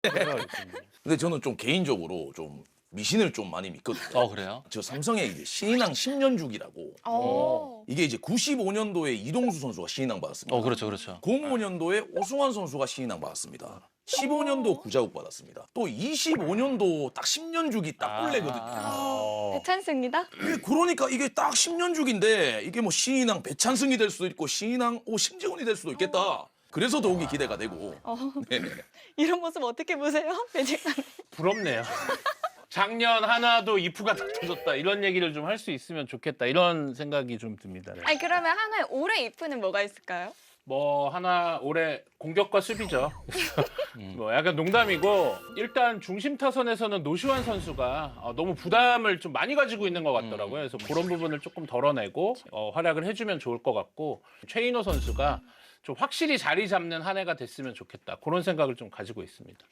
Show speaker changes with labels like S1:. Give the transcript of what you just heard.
S1: 근데 저는 좀 개인적으로 좀 미신을 좀 많이 믿거든요.
S2: 그래요?
S1: 저 삼성에 이제 신인왕 10년 주기라고 이게 이제 95년도에 이동수 선수가 신인왕 받았습니다.
S2: 그렇죠, 그렇죠.
S1: 05년도에 오승환 선수가 신인왕 받았습니다. 15년도 구자욱 받았습니다. 또 25년도 딱 10년 주기 딱 꿀레거든요.
S3: 대찬승이다?
S1: 그러니까 이게 딱 10년 주기인데 이게 뭐 신인왕 배찬승이 될 수도 있고 신인왕 심재훈이 될 수도 있겠다. 그래서 더욱이 기대가 되고. 네네.
S3: 이런 모습 어떻게 보세요? 배직사님.
S4: 부럽네요. 작년 하나도 이프가 다 터졌다 이런 얘기를 좀 할 수 있으면 좋겠다 이런 생각이 좀 듭니다. 네.
S3: 아니 그러면 하나의 올해 이프는 뭐가 있을까요?
S4: 뭐 하나 올해 공격과 수비죠. 뭐 약간 농담이고 일단 중심 타선에서는 노시환 선수가 너무 부담을 좀 많이 가지고 있는 것 같더라고요. 그래서 그런 부분을 조금 덜어내고 활약을 해주면 좋을 것 같고 최인호 선수가 좀 확실히 자리 잡는 한 해가 됐으면 좋겠다 그런 생각을 좀 가지고 있습니다.